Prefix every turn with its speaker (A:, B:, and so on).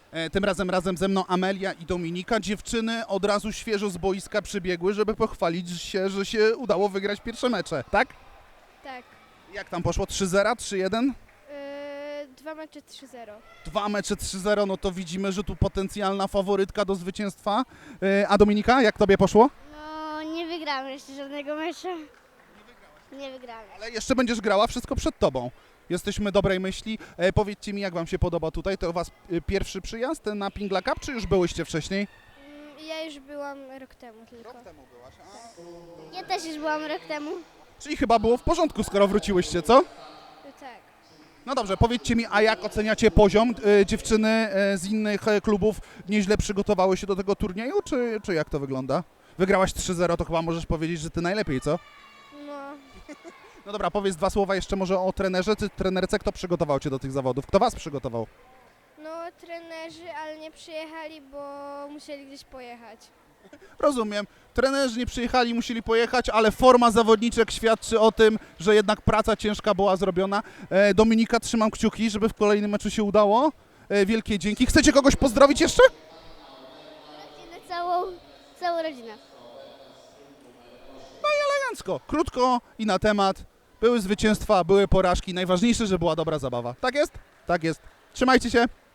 A: Tym razem ze mną Amelia i Dominika. Dziewczyny od razu świeżo z boiska przybiegły, żeby pochwalić się, że się udało wygrać pierwsze mecze, tak?
B: Tak.
A: Jak tam poszło? 3-0, 3-1?
B: 2 mecze 3-0.
A: 2 mecze 3-0, no to widzimy, że tu potencjalna faworytka do zwycięstwa. A Dominika, jak tobie poszło?
B: No, nie wygramy jeszcze żadnego meczu. Nie wygramy.
A: Ale jeszcze będziesz grała, wszystko przed tobą. Jesteśmy dobrej myśli. Powiedzcie mi, jak wam się podoba tutaj? To u was pierwszy przyjazd na Pingla Cup, czy już byłyście wcześniej?
B: Ja już byłam rok temu tylko.
A: temu byłaś.
B: Ja też już byłam rok temu.
A: Czyli chyba było w porządku, skoro wróciłyście, co?
B: Tak.
A: No dobrze, powiedzcie mi, a jak oceniacie poziom? Dziewczyny z innych klubów nieźle przygotowały się do tego turnieju, czy jak to wygląda? Wygrałaś 3-0, to chyba możesz powiedzieć, że ty najlepiej, co?
B: No,
A: No dobra, powiedz 2 słowa jeszcze może o trenerze, czy trenerce, kto przygotował cię do tych zawodów? Kto was przygotował?
B: no trenerzy, ale nie przyjechali, bo musieli gdzieś pojechać.
A: Rozumiem. Trenerzy nie przyjechali, musieli pojechać, ale forma zawodniczek świadczy o tym, że jednak praca ciężka była zrobiona. Dominika, trzymam kciuki, żeby w kolejnym meczu się udało. Wielkie dzięki. Chcecie kogoś pozdrowić jeszcze?
B: Rodzinę całą rodzinę.
A: Elegancko, krótko i na temat. Były zwycięstwa, były porażki. Najważniejsze, że była dobra zabawa. Tak jest? Tak jest. Trzymajcie się.